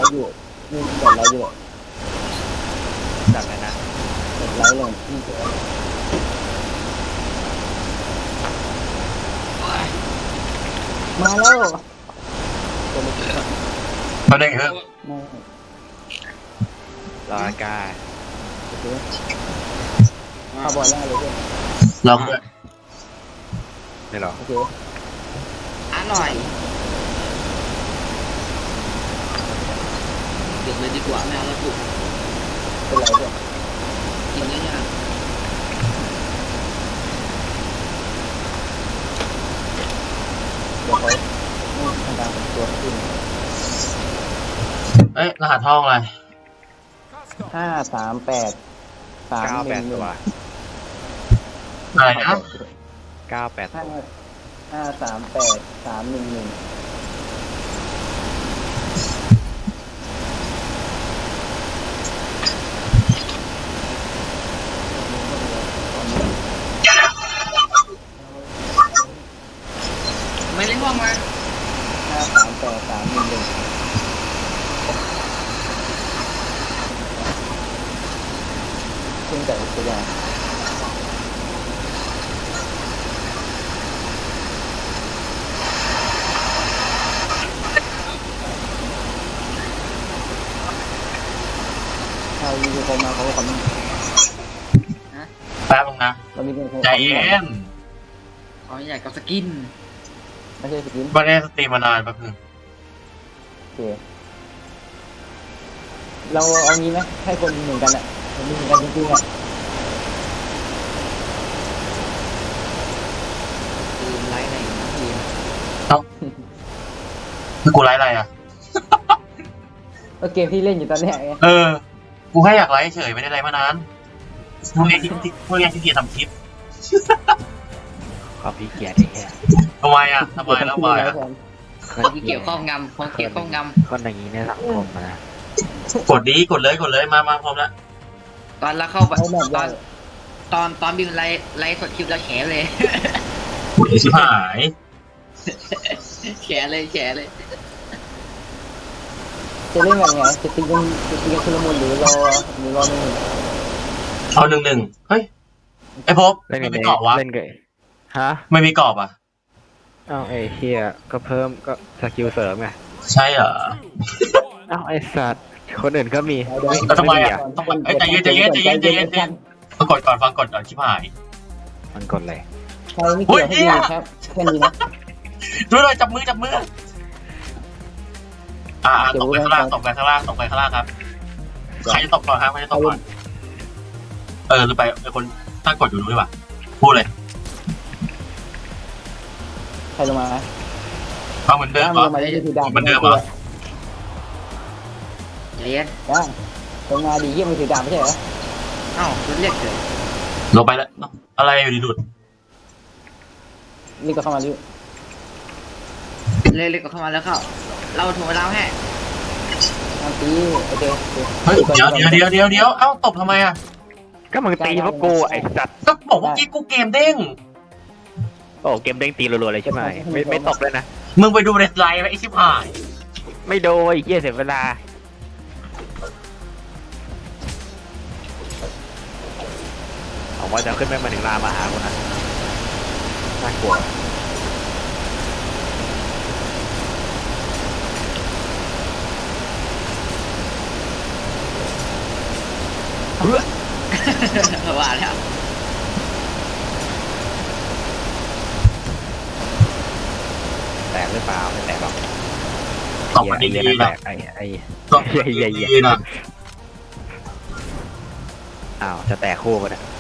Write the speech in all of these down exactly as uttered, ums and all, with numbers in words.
อยู่นี่แบบไรอยู่จัดเลยนะแบบไรลงนี่เจอมาแล้วเขาได้เหรอรออากาศโอเคเข้าบอลแล้วเลยเพื่อนลองด้วยไม่หรอโอเคอ่ะหน่อยเก็บเลยดีกว่าไม่เอาแล้วปุ๊บเป็นไรเพื่อนกินเยอะเดี๋ยวเขาทำการตัวขึ้นเอ้ยรหัสห้องอะไรห้าสามแปดสามเก้าหแปนึ่ดงหตันึ่งวอะไรนะเก้าแปดห้าตัวห้าสามแปดสามหนึ่งหนึ่งๆไม่เล่นห้องมาห้าสามแปดสามหนึ่งหนึ่งเพิ่งแต่ตัวอย่างถ้ามีคนมาเขาก็คอมเมนต์แป๊บนึงนะเรามีคนใจเย็นเขาอยากกับสกินไม่ใช่สกินไม่ได้สตรีมมานานแป๊บนึงโอเคเราเอางี้ไหมให้คนเหมือนกันอ่ะมันมีเหมือนกันจริงๆอ่ะคือไลฟ์อะไรนะพี่คือกูไลฟ์อะไรอ่ะก็เกมที่เล่นอยู่ตอนเนี้ยไงเออ กูแค่อยากไลฟ์เฉยไม่ได้ไลฟ์มานานพวกนี้ที่พวกนี้ที่เกียจทำคลิปความพี่เกียรติไอ้แค่ทำไมอ่ะทำไมแล้วทำไมอ่ะคนที่เกี่ยวข้องงำคนเกี่ยวข้องงคนอย่างนี้ในสังคมอะนะกดดีกดเลยกดเลยมามาพร้อมแล้วำตอนเราเข้าไปเอาแบบตอว่านตอนตอนบิวไลฟ์ไลฟ์สดคลิปแล้วแฉเลยกดชิบหายแฉเลยแฉเลยจะเล่นแบบไงจะตีกันจะตีกันชุลมุนหรือรอหรือรอหนึ่งเอาหนึ่งหนึ่งเฮ้ยไอ้พบเล่นไม่กันมีเองกรอบวะเล่นกันฮะไม่มีกรอบอ่ะอ้าวไอ้เฮียก็เพิ่มก็สกิลเสริมไงใช่เหรออ้าวไอ้สัตว์คนอื่นก็มีเดี๋ยวแล้วทำไมอ่ะอะทำไมเอ้ยใจเย็นใจเย็นใจเย็นใจเย็นใจเย็นฟังกดก่อนฟังกดก่อนชิบหายมันกดเลยใครไม่เกี่ยวให้ดีครับแค่นี้นะดูเลยจับมือจับมืออ่าตกไปข้างล่างตกไปข้างล่างตกไปข้างล่างครับใครจะตกก่อนครับใครจะตกก่อนเออหรือไปไอคนตั้งกดอยู่รู้ดีกว่าพูดเลยใครลงมาเอาเหมือนเดิมเหรอลงมาได้ที่ดำเหมือนเดิมเหรอใจเย็นว่าลงมาดีเยี่ยมมือถือดำไม่ใช่เหรอเอ้าคุณเรียกเฉยลงไปแล้วอะไรอยู่ดีดุดนี่ก็เข้ามาดิเลยเลยก็เข้ามาแล้วเข้า เราถูกเราให้อันตีโอเคเฮ้ยเดี๋ยวเดี๋ยวเดี๋ยวเดี๋ยวเดี๋ยวเอ้าตบทำไมอ่ะก็มึงตีพวกกูไอ้สัตว์ก็บอกว่ากี้กูเกมเด้งโอ้เกมเด้งตีรัวๆเลยใช่ไหมไม่ไม่ตกเลยนะมึงไปดูในไลน์ไอ้ชิบหายไม่โดนไอ้เหี้ยเสียเวลาผมว่าจะขึ้นไปมาถึงลามาหาคนนะน่ากลัวว่าแล้วแตกหรือเปล่าไม่แตกหรอกตบมันดีเหี้ยๆแตนะกไอ้ไอ้ตบมันดีๆนะอ้าวจะแตกคู่กันเนี่ย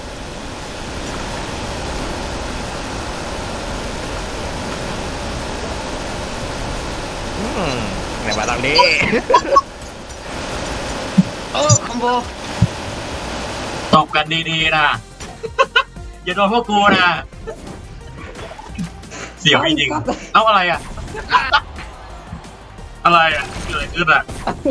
อืมไหนมาตรงนี้โอ้คอมโบตบกันดีๆนะอย่าโดนพวกกูนะเสียวจริงๆเอ้าอะไรอ่ะ อะไรอ่ะเกิดอะไรขึ้นอ่ะ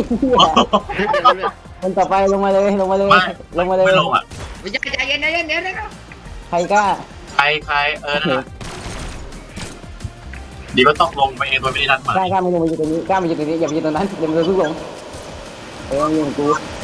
มันต่อไปลงมาเลยลงมาเลยไม่ลงมาเลยไม่ลงอ่ะไม่ใช่ใจเย็นใจเย็นเดี๋ยวเดี๋ยวใครกล้าใครใครเออนั่นแหละดีก็ต้องลงไปเองโดยไม่ได้นัดหมายกล้ากล้ามึงลงมาอยู่ตรงนี้กล้ามาอยู่ตรงนี้อย่าไปอยู่ตรงนั้นอย่ามาเพิ่งลงเออมึงอยู่กับกู